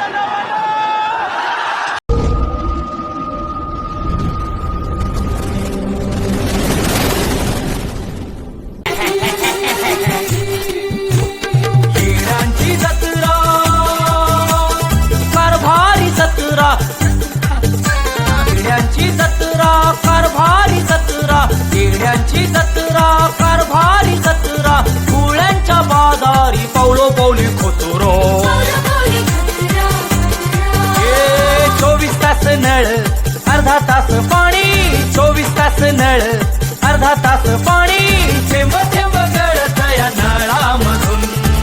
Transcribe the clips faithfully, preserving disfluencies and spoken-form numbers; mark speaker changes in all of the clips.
Speaker 1: येड्यांची जत्रा कारभारी जत्रा फुलांच्या बाजारी पावलो पावली खोतुरो ए चोवीस तास नळ अर्धा तास पाणी चोवीस तास नळ अर्धा तास पाणी थेंब थेंब गळत या नळामधून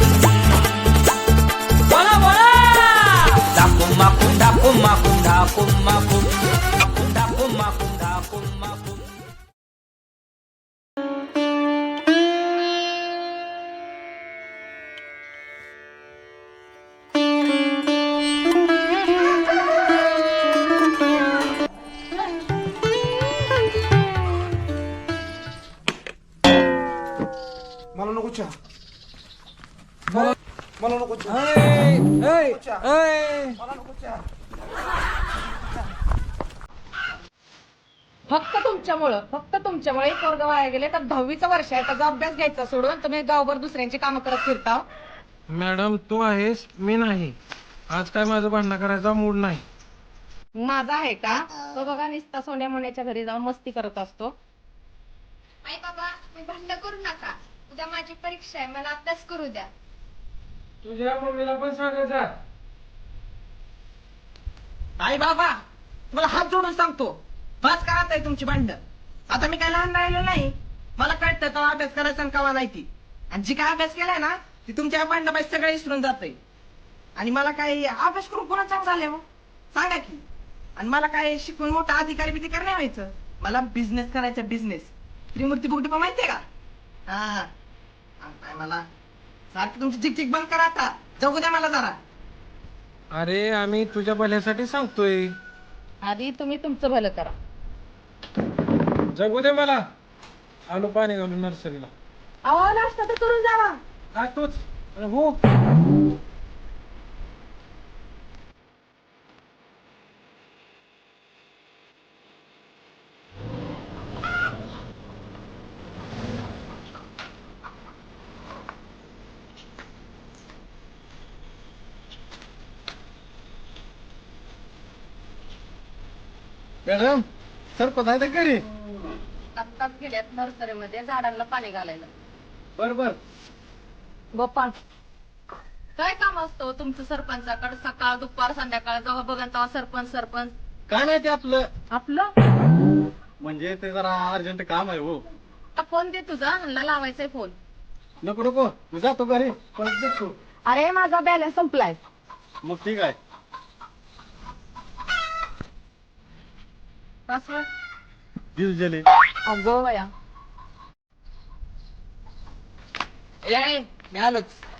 Speaker 1: बोला बोला दाकूम माकूम दाकूम माकूम दाकूम माकूम दाकूम माकूम दाकूम माकूम
Speaker 2: मला नको चहा मला मला नको चहा मला नको चहा
Speaker 3: फक्त तुमच्यामुळं फक्त तुमच्यामुळे एक वर्ग वाया गेले तर दहावीचं वर्ष आहे त्याचा अभ्यास घ्यायचा सोडून तुम्ही गावभर दुसऱ्यांची कामं करत फिरता.
Speaker 4: मॅडम तू आहेस मी नाही. आज काय माझं भांडण करायचा मूड नाही.
Speaker 3: माझा आहे का तो बघा निस्ता सोन्या मोन्याच्या घरी जाऊन मस्ती करत असतो.
Speaker 5: आई बाबा मी भांडण करू नका. उद्या माझी परीक्षा आहे मला अभ्यास करू द्या.
Speaker 4: तुझ्या मम्मीला पण सांगायचा.
Speaker 6: आई बाबा मला हात जोडून सांगतो बस करत आहे तुमची भांडण. आता मी काय लहान राहिलो नाही. मला कळतं तर अभ्यास करायचा आणि कवा नाही ती. आणि जी काय अभ्यास केलाय ना ती तुमच्या भांडण पाहिजे सगळे विसरून जाते. आणि मला काय अभ्यास करून कोणा चांगलं झालंय मग सांगा की. आणि मला काय शिकून मोठा अधिकारी बिधिकारी नाही व्हायचं. मला बिझनेस करायचा बिझनेस. त्रिमूर्ती बुकटी पण माहितीये का. हा काय मला सारखी तुमची चिकचिक बंद करा आता. जगू द्या मला जरा.
Speaker 4: अरे आम्ही तुझ्या भल्यासाठी सांगतोय.
Speaker 3: आधी तुम्ही तुमचं भलं करा.
Speaker 4: जगू दे मला. आलो पाणी घालून नर्सरीला.
Speaker 3: अहो नाश्ता तर करून जावा.
Speaker 4: काय तूच अरे हो. मॅडम सरपंच आहे का घरी.
Speaker 3: आत्ताच गेल्यात नर्सरीमध्ये झाडांना पाणी घालायला.
Speaker 4: बर बर.
Speaker 3: गोपाळ काय काम असतं तुमचं सरपंचाकडे सकाळ दुपार संध्याकाळ जेव्हा बघा तेव्हा सरपंच सरपंच.
Speaker 4: काय नाही ते आपलं
Speaker 3: आपलं
Speaker 4: म्हणजे ते जरा अर्जंट काम आहे हो.
Speaker 3: फोन दे तुझा ह्यांना लावायचाय फोन.
Speaker 4: नको नको तू जातो घरी परत देतो.
Speaker 3: अरे माझा बॅलन्स संपलाय.
Speaker 4: मग ठीक आहे. दिल जले.
Speaker 3: अगं वया
Speaker 6: ए मी आलोच.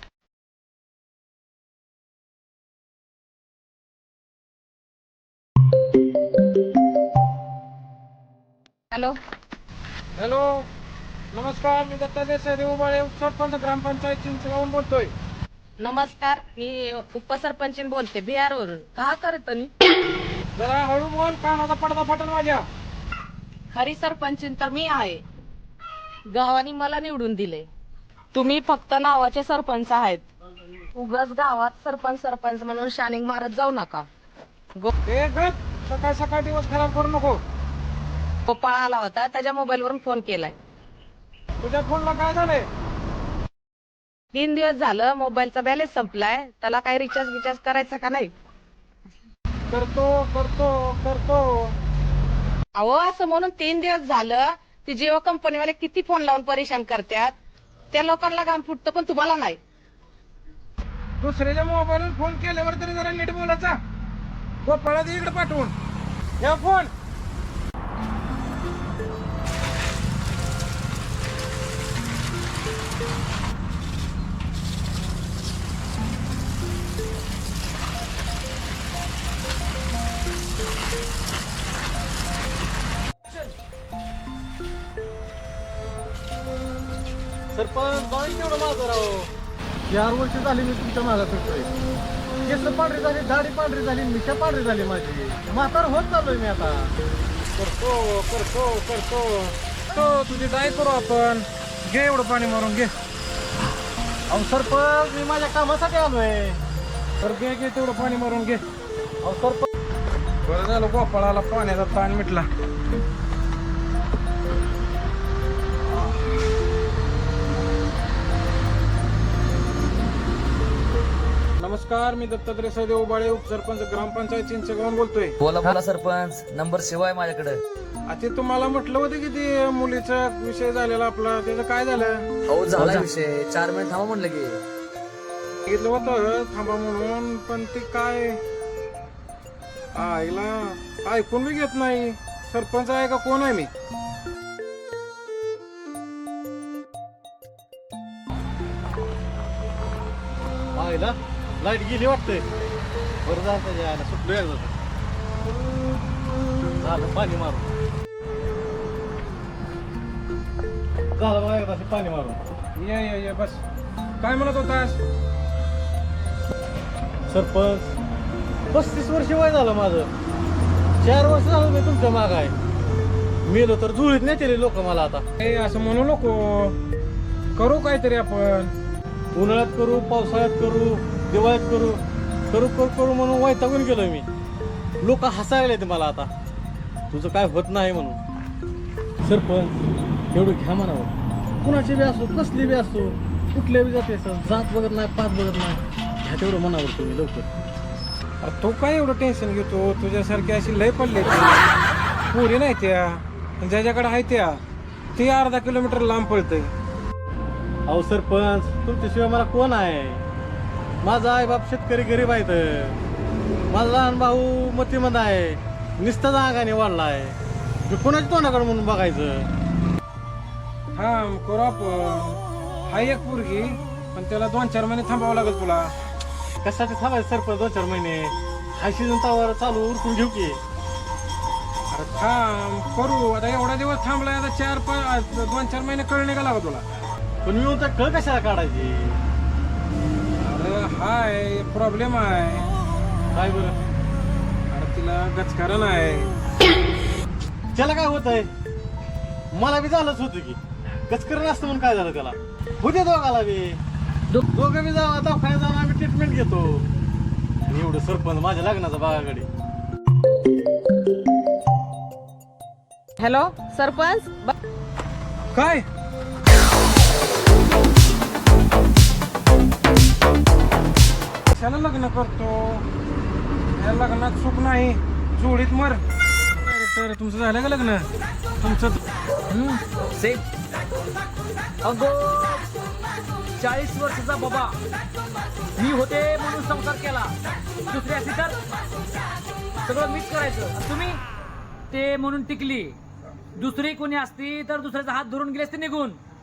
Speaker 3: हॅलो
Speaker 4: हॅलो नमस्कार मी दत्ता देसाई देऊबाळे उपसरपंच ग्रामपंचायत चिंचगावून बोलतोय.
Speaker 3: नमस्कार मी उपसरपंच बोलते बिहार वरून. का करत
Speaker 4: जरा हळू बोल कानाचा पडदा फाटल माझ्या.
Speaker 3: खरी सरपंच तर मी आहे. गावाने मला निवडून दिले. तुम्ही फक्त नावाचे सरपंच आहेत. उगाच गावात सरपंच सरपंच म्हणून शानिंग मारत जाऊ नका.
Speaker 4: ए गप सकाळ सकाळ दिवस खराब करू नको.
Speaker 3: गोपाळ आला होता त्याच्या मोबाईल वरून फोन केलाय.
Speaker 4: तुझ्या फोनला काय झालंय.
Speaker 3: तीन दिवस झालं मोबाईलचा बॅलन्स संपलाय. त्याला काही रिचार्ज बिचार्ज करायचं का नाही.
Speaker 4: करतो करतो करतो.
Speaker 3: अहो असं म्हणून तीन दिवस झालं ती जिओ कंपनीवाले किती फोन लावून परेशान करतात. त्या लोकांना काम फुटतं पण तुम्हाला नाही.
Speaker 4: दुसऱ्याच्या मोबाईलवर फोन केल्यावर तरी जरा नीट बोलायचा. गोपाळा दे इकडे पाठवून. या फोन. सरपंच बाई तेवढं माझं राव. चार वर्ष झाली मी तुमच्या मागा फिरतोय.
Speaker 7: केस पांढरी झाली, दाढी पांढरी झाली, मिशा पांढरी झाली माझी. म्हातार होत चाललोय मी आता.
Speaker 4: करतो करतो करतो तो तुझी काय करू आपण. घे एवढं पाणी मारून घे.
Speaker 7: अहो सरपंच, मी माझ्या कामासाठी आलोय.
Speaker 4: तर घे घे तेवढं पाणी मारून घे.
Speaker 7: अहो सरपंच,
Speaker 4: बरं झालं गोपाळाला पाण्याचा ताण मिटला. नमस्कार, मी दत्तात्रय सदेव उबाळे, उपसरपंच ग्रामपंचायत चिंचगावून बोलतोय.
Speaker 1: बोला बोला सरपंच, नंबर शिवाय माझ्याकडे.
Speaker 4: आता तुम्हाला म्हटलं होतं की ते मुलीचा विषय झालेला आपला, त्याचं काय झालं?
Speaker 1: हो झाला विषय, चार महिने थांबा म्हणलं की.
Speaker 4: सांगितलं होतं थांबा म्हणून, पण ते काय आईला ऐकून बी घेत नाही. सरपंच आहे का कोण आहे मी?
Speaker 7: आईला लाईट गेली वाटतंय. बरं झालं त्याच्या आईला सुटलो एकदा. झालं पाणी मारून. झालं बघा एकदा पाणी मारून.
Speaker 4: ये ये ये बस. काय म्हणत होतास?
Speaker 7: सरपंच, पस्तीस वर्ष वय झालं माझं. चार वर्ष झालं मी तुमच्या माग आहे. मेलो तर जुळीत नेते लोक मला आता.
Speaker 4: ए असं म्हणू नको. करू काहीतरी आपण.
Speaker 7: उन्हाळ्यात करू, पावसाळ्यात करू, दिवाळीत करू, करू करू करू म्हणून वैतागून गेलोय मी. लोक हसायला येते मला आता, तुझं काय होत नाही म्हणून. सरपंच, एवढं घ्या म्हणावं. कुणाची बी असो, कसली बी असो, कुठल्या बी जाते जात बघत नाही, पात बघत नाही. ह्या तेवढं म्हणावं तुम्ही लवकर.
Speaker 4: अरे तू काय एवढं टेन्शन घेतो? तुझ्यासारखी अशी लय पडले पुरी नाही त्या, ज्याच्याकडे आहे त्या ते अर्धा किलोमीटर लांब पळतंय.
Speaker 7: अहो सरपंच, तुमच्याशिवाय मला कोण आहे? माझा आई बाप शेतकरी गरीब आहेत. माझा लहान भाऊ मतीमंद आहे, नुसताच अंगाने वाढला आहे. मी कोणाच्या तोंडाकडे म्हणून बघायचं?
Speaker 4: हा करू आपण. हाय एक पोरगी, पण त्याला दोन चार महिने थांबावं लागेल तुला.
Speaker 7: कशासाठी थांबायचं सरपंच दोन चार महिने? हाय सीझन तावर चालू उरकून घेऊ की.
Speaker 4: अरे थांब करू. आता एवढा दिवस थांबलाय, आता चार पाच दोन चार महिने कळणे का लागा तुला?
Speaker 7: पण मी म्हणतो कळ कशाला काढायची?
Speaker 4: अरे हाय प्रॉब्लेम आहे.
Speaker 7: काय बरं?
Speaker 4: अरे तिला गचकारण आहे.
Speaker 7: त्याला काय होत आहे? मला बी झालंच होतं की. गचकरण असतं म्हणून काय झालं त्याला? होते दोघाला बी. दोघं बी जावा दवाखान्यात जाऊन आम्ही ट्रीटमेंट घेतो. आणि एवढं सरपंच माझ्या लग्नाचा बागाकडे.
Speaker 3: हॅलो सरपंच,
Speaker 4: काय कशाला लग्न करतो? या लग्नात सुख नाही, जोडीत मर. तर तुमचं झालं का लग्न? तुमचं
Speaker 1: से अगो चाळीस वर्षाचा बाबा मी होते म्हणून संसार केला. दुसरी असली तर सगळं मीच करायचं. आणि तुम्ही ते म्हणून टिकली. दुसरी कोणी असती तर दुसऱ्याचा हात धरून गेले असते निघून.